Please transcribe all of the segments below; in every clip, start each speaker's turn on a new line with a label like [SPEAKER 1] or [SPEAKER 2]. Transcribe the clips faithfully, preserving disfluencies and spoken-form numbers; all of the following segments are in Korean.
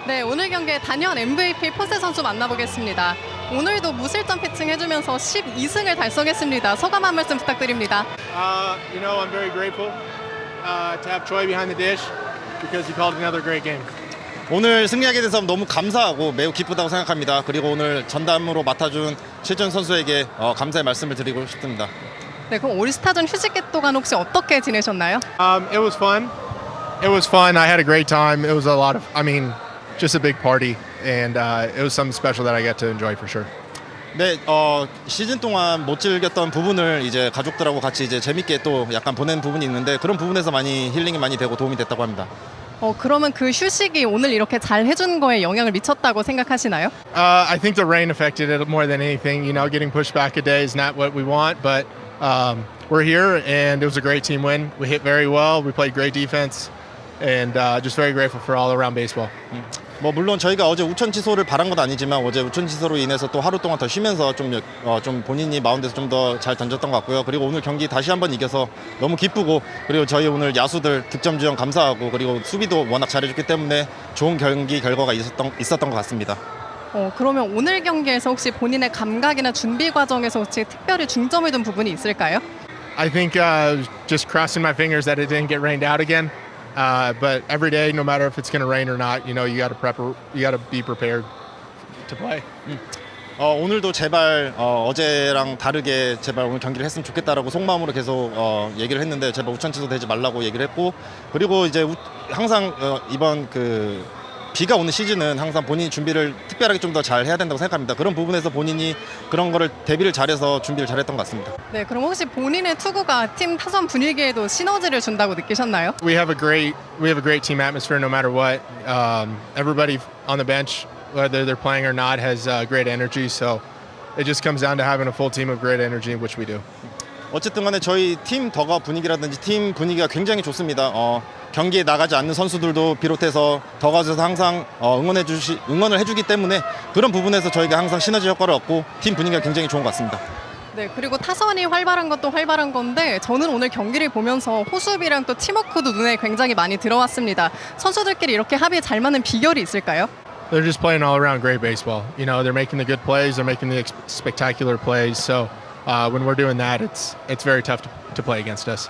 [SPEAKER 1] 네, 오늘 경기에 단연 엠브이피 폰세 선수 만나보겠습니다. 오늘도 무실점 피칭 해주면서 십이 승을 달성했습니다. 소감 한 말씀 부탁드립니다.
[SPEAKER 2] Uh, you know, I'm very grateful uh, to have Troy behind the dish because he called another great game.
[SPEAKER 3] 오늘 승리하게 돼서 너무 감사하고 매우 기쁘다고 생각합니다. 그리고 오늘 전담으로 맡아준 최준 선수에게 어, 감사의 말씀을 드리고 싶습니다.
[SPEAKER 1] 네, 그럼 올스타전 휴식 동안 혹시 어떻게 지내셨나요?
[SPEAKER 2] Um, it was fun. It was fun. I had a great time. It was a lot of, I mean, just a big party, and uh, it was something special that I got to enjoy for sure.
[SPEAKER 3] 네, 어, 시즌 동안 못 즐겼던 부분을 이제 가족들하고 같이 이제 재밌게 또 약간 보낸 부분이 있는데 그런 부분에서 많이 힐링이 많이 되고 도움이 됐다고 합니다.
[SPEAKER 1] 어, 그러면 그 휴식이 오늘 이렇게 잘 해준 거에 영향을 미쳤다고 생각하시나요?
[SPEAKER 2] Uh, I think the rain affected it more than anything. You know, getting pushed back a day is not what we want, but um, we're here, and it was a great team win. We hit very well. We played great defense, and uh, just very grateful for all around baseball.
[SPEAKER 3] 음. 뭐 물론 저희가 어제 우천 취소를 바란 건 아니지만 어제 우천 취소로 인해서 또 하루 동안 더 쉬면서 좀, 어, 좀 본인이 마운드에서 좀 더 잘 던졌던 것 같고요. 그리고 오늘 경기 다시 한번 이겨서 너무 기쁘고 그리고 저희 오늘 야수들 득점 지원 감사하고 그리고 수비도 워낙 잘해줬기 때문에 좋은 경기 결과가 있었던, 있었던 것 같습니다.
[SPEAKER 1] 어, 그러면 오늘 경기에서 혹시 본인의 감각이나 준비 과정에서 혹시 특별히 중점을 둔 부분이 있을까요?
[SPEAKER 2] I think uh, just crossing my fingers that it didn't get rained out again. Uh, but every day, no matter if it's going to rain or not, you know, you got to prep, you got to be prepared to play.
[SPEAKER 3] 음. 어, 오늘도 제발 어, 어제랑 다르게 제발 오늘 경기를 했으면 좋겠다라고 속마음으로 계속 어, 얘기를 했는데 제발 우천 취소되지 말라고 얘기를 했고 그리고 이제 우, 항상 어, 이번 그 비가 오는 시즌은 항상 본인이 준비를 특별하게 좀 더 잘 해야 된다고 생각합니다. 그런 부분에서 본인이 그런 거를 대비를 잘해서 준비를 잘했던 것 같습니다.
[SPEAKER 1] 네, 그럼 혹시 본인의 투구가 팀 타선 분위기에도 시너지를 준다고 느끼셨나요?
[SPEAKER 2] We have a great, we have a great team atmosphere no matter what. Um, everybody on the bench, whether they're playing or not, has uh, great energy. So it just comes down to having a full team of great energy, which we do.
[SPEAKER 3] 어쨌든 간에 저희 팀 더가 분위기라든지 팀 분위기가 굉장히 좋습니다. 어, 경기에 나가지 않는 선수들도 비롯해서 더가에서 항상 어, 응원해 주시, 응원을 해주기 때문에 그런 부분에서 저희가 항상 시너지 효과를 얻고 팀 분위기가 굉장히 좋은 것 같습니다.
[SPEAKER 1] 네, 그리고 타선이 활발한 것도 활발한 건데 저는 오늘 경기를 보면서 호수비랑 또 팀워크도 눈에 굉장히 많이 들어왔습니다. 선수들끼리 이렇게 합이 잘 맞는 비결이 있을까요?
[SPEAKER 2] They're just playing all around great baseball. You know, they're making the good plays, they're making the ex- spectacular plays. So uh, when we're doing that, it's it's very tough to, to play against us.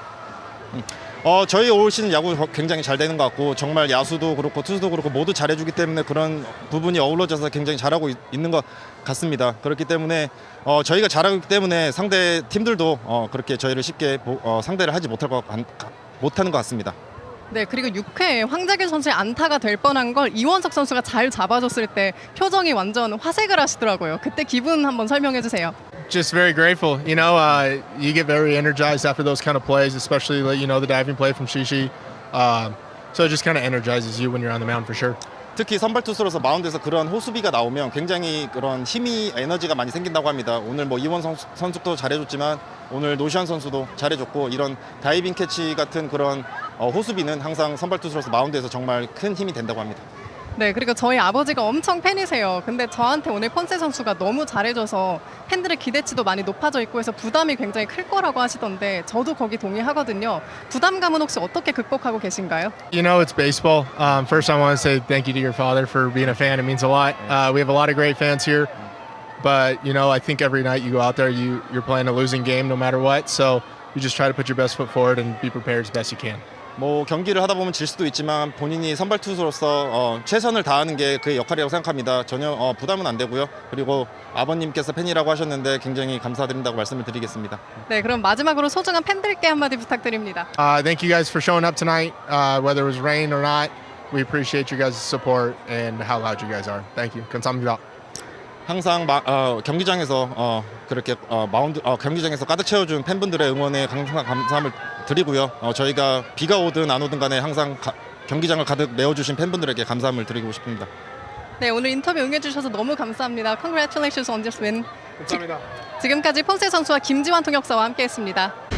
[SPEAKER 3] 어, 저희 올 시즌 야구 굉장히 잘 되는 것 같고 정말 야수도 그렇고 투수도 그렇고 모두 잘해주기 때문에 그런 부분이 어우러져서 굉장히 잘하고 있, 있는 것 같습니다. 그렇기 때문에 어, 저희가 잘하고 있기 때문에 상대 팀들도 어, 그렇게 저희를 쉽게 보, 어, 상대를 하지 못할 것, 못하는 것 같습니다.
[SPEAKER 1] 네, 그리고 육 회에 황재균 선수의 안타가 될 뻔한 걸 이원석 선수가 잘 잡아줬을 때 표정이 완전 화색을 하시더라고요. 그때 기분 한번 설명해 주세요.
[SPEAKER 2] Just very grateful. You know, uh, you get very energized after those kind of plays, especially you know the diving play from Shishi. Um, so it just kind of energizes you when you're on the mound for sure.
[SPEAKER 3] 특히 선발 투수로서 마운드에서 그런 호수비가 나오면 굉장히 그런 힘이 에너지가 많이 생긴다고 합니다. 오늘 뭐 이원 선수, 선수도 잘해줬지만 오늘 노시안 선수도 잘해줬고 이런 다이빙 캐치 같은 그런 어, 호수비는 항상 선발 투수로서 마운드에서 정말 큰 힘이 된다고 합니다.
[SPEAKER 1] 네, 그리고 저희 아버지가 엄청 팬이세요. 근데 저한테 오늘 폰세 선수가 너무 잘해줘서 팬들의 기대치도 많이 높아져 있고 해서 부담이 굉장히 클 거라고 하시던데 저도 거기 동의하거든요. 부담감은 혹시 어떻게 극복하고 계신가요?
[SPEAKER 2] You know, it's baseball. Um, first, I want to say thank you to your father for being a fan. It means a lot. Uh, we have a lot of great fans here, but you know, I think every night you go out there, you you're playing a losing game no matter what. So you just try to put your best foot forward and be prepared as best you can.
[SPEAKER 3] 뭐 경기를 하다 보면 질 수도 있지만 본인이 선발 투수로서 어, 최선을 다하는 게 그의 역할이라고 생각합니다. 전혀 어, 부담은 안 되고요. 그리고 아버님께서 팬이라고 하셨는데 굉장히 감사드린다고 말씀을 드리겠습니다.
[SPEAKER 1] 네, 그럼 마지막으로 소중한 팬들께 한마디 부탁드립니다.
[SPEAKER 2] Uh, thank you guys for showing up tonight, uh, whether it was rain or not. We appreciate your guys' support and how loud you guys are. Thank you. 감사합니다.
[SPEAKER 3] 항상 마, 어, 경기장에서 어, 그렇게 어, 마운드 어, 경기장에서 가득 채워준 팬분들의 응원에 항상 감사함을 드리고요. 어, 저희가 비가 오든 안 오든 간에 항상 가, 경기장을 가득 메워주신 팬분들에게 감사함을 드리고 싶습니다.
[SPEAKER 1] 네, 오늘 인터뷰 응해주셔서 너무 감사합니다. Congratulations on this win.
[SPEAKER 2] 감사합니다.
[SPEAKER 1] 지금까지 폰세 선수와 김지환 통역사와 함께했습니다.